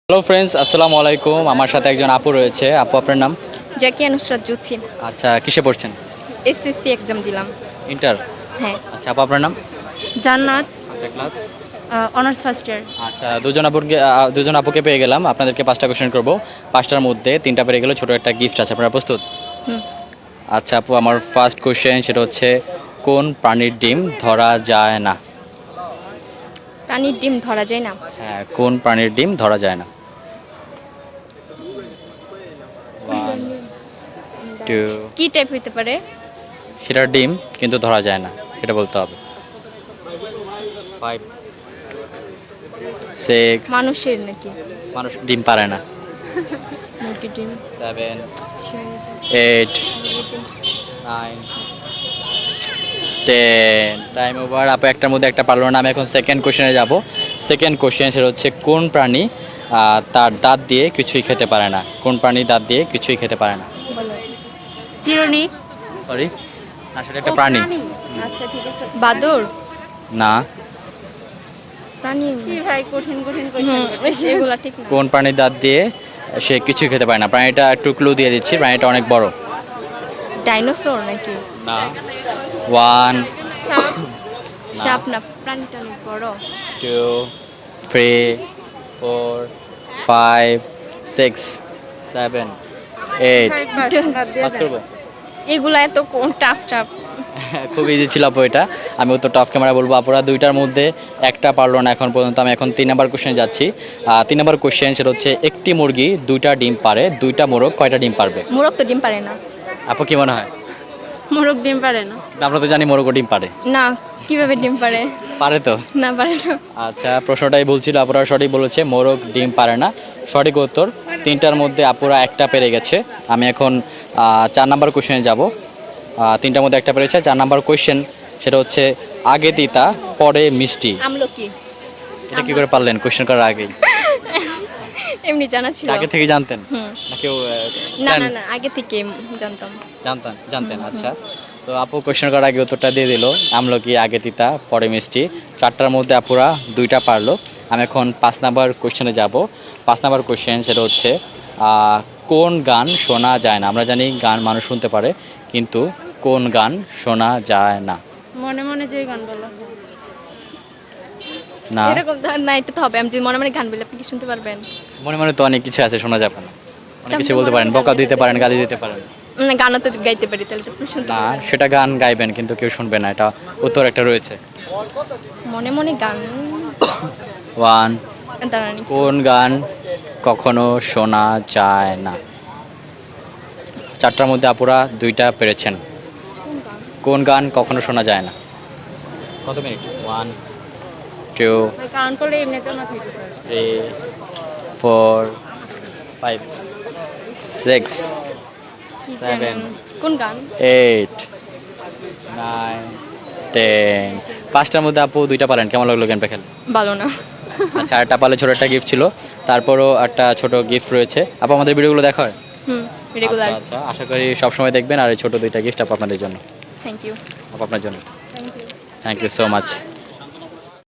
Hello friends, আসসালামু আলাইকুম। আমার সাথে একজন আপু রয়েছে। আপু, আপনার নাম? জাকিয়া নুসরাত জুথি। আচ্ছা, কিসে পড়ছেন? এসএসসি এক্সাম দিলাম। ইন্টার? হ্যাঁ। আচ্ছা আপু, আপনার নাম? জান্নাত, আচ্ছা, ক্লাস? Honours first year. আচ্ছা, দুজন আপুকে পেয়ে গেলাম। আপনাদেরকে 5টা কোশ্চেন করব। 5টার মধ্যে 3টা পেরে গেলে ছোট একটা গিফট আছে। আপনারা প্রস্তুত? হুম। আচ্ছা আপু, আমার ফার্স্ট কোশ্চেন সেটা হচ্ছে, কোন প্রাণীর ডিম ধরা যায় না? প্রাণীর ডিম ধরা যায় না? হ্যাঁ, কোন প্রাণীর ডিম ধরা যায় না? 1 2 কি টাইপ হইতে পারে? সেটার ডিম কিন্তু ধরা যায় না, এটা বলতে হবে। 5 6 মানুষের নাকি? মানুষ ডিম পারে না। মুরগির ডিম। 7 শেয়ালের 8 ডিম। 9 10 টাইম ওভার। আপু একটার মধ্যে একটা পারলো না। আমি এখন সেকেন্ড কোশ্চেনে যাব। সেকেন্ড কোশ্চেন সেটা হচ্ছে, কোন প্রাণী তার দাঁত দিয়ে কিছুই খেতে পারে না? কোন প্রাণী দাঁত দিয়ে কিছুই খেতে পারে না? বলো। চিরুনি। সরি, আসলে একটা প্রাণী। আচ্ছা ঠিক আছে। বাদর। না। প্রাণী কি ভাই, কঠিন কঠিন কোশ্চেন এগুলা ঠিক না। কোন প্রাণী দাঁত দিয়ে সে কিছুই খেতে পারে না? প্রাণীটা একটু ক্লু দিয়ে দিচ্ছি, প্রাণীটা অনেক বড়। ডাইনোসর নাকি? না। 1 সাপ। সাপ না, প্রাণীটা অনেক বড়। 2 3 4 5 6 7 8 পাস করবো? এগুলা এত টাফ টাফ। খুব ইজি ছিল আপু এটা। আমি উত্তরটা অফ ক্যামেরা বলবো। আপুরা দুইটার মধ্যে একটা পারলো না এখন পর্যন্ত। আমি এখন 3 নাম্বার কোশ্চেনে যাচ্ছি। 3 নাম্বার কোশ্চেন সেটা হচ্ছে, একটি মুরগি 2টা ডিম পারে, 2টা মোরগ কয়টা ডিম পারবে? মোরগ তো ডিম পারে না। আপু কি মনে হয়? মোরগ ডিম পারে না। আমরা তো জানি মোরগও ডিম পারে। না, কিভাবে ডিম পারে? পারে তো। না, পারে না। আচ্ছা, প্রশ্নটাই বলছিল, আপুরা সঠিক বলেছে, মোরগ ডিম পারে না। সঠিক উত্তর। 3টার মধ্যে আপুরা একটা পেরে গেছে। আমি এখন 4 নাম্বার কোশ্চেনে যাব। 3টার মধ্যে একটা পেরেছে। 4 নাম্বার কোশ্চেন সেটা হচ্ছে, আগে তিতা পরে মিষ্টি। আমলকি। এটা কি করে পারলেন কোশ্চেন করার আগেই? এমনি জানা ছিল। আগে থেকে জানতেন? হুম। না কেউ না না না, আগে থেকে জানতাম। জানতেন। আচ্ছা, তো আপু কোশ্চেন করার আগে উত্তরটা দিয়ে দিল, আমলকি আগে তিতা পরে মিষ্টি। 4টার মধ্যে আপুরা 2টা পারলো। আমি এখন 5 নাম্বার কোশ্চেনে যাব। 5 নাম্বার কোশ্চেন সেটা হচ্ছে, কোন গান শোনা যায় না? আমরা জানি গান মানুষ শুনতে পারে, কিন্তু কোন গান শোনা যায় না? মনে মনে যে গান বলো না, এরকম না, এটা তো হবে। আমি যদি মনে মনে গান বলি, আপনি কি শুনতে পারবেন? মনে মনে তো অনেক কিছু আছে, শোনা যাবে না। অনেক কিছু আপনি বলতে মনে পারেন, মনে বকা গান দিতে পারেন, গালি দিতে পারেন। না, গানও তো গাইতে পারি, তাহলে তো আপনি শুনতে না, পারবেন। সেটা গান গাইবেন কিন্তু কেউ শুনবে না, এটা উত্তর একটা রয়েছে। মনে মনে গান। 1 দাঁড়ানি। কোন গান কখনো শোনা যায় না? 4টার মধ্যে আপুরা 2টা পেরেছেন। কোন গান কখনো শোনা যায় না? কত মিনিট? 1 2 গান করলে এমনিতেও না থাকতে পারে। 3 4 5 6 কি 7 জানেন? কোন গান? 8 9 10 5টার মধ্যে আপু 2টা পারেন, কেমন লাগলো গেমটা খেলে? ভালো না। আচ্ছা, আরেকটা পারলে ছোটো একটা গিফট ছিল, তারপরও একটা ছোট গিফট রয়েছে। আপু আমাদের ভিডিওগুলো দেখা হয়? হুম, রেগুলার। আচ্ছা, আশা করি সবসময় দেখবেন। আর এই ছোটো 2টা গিফট আপু আপনাদের জন্য। Thank you. আপু আপনার জন্য। Thank you. Thank you so much.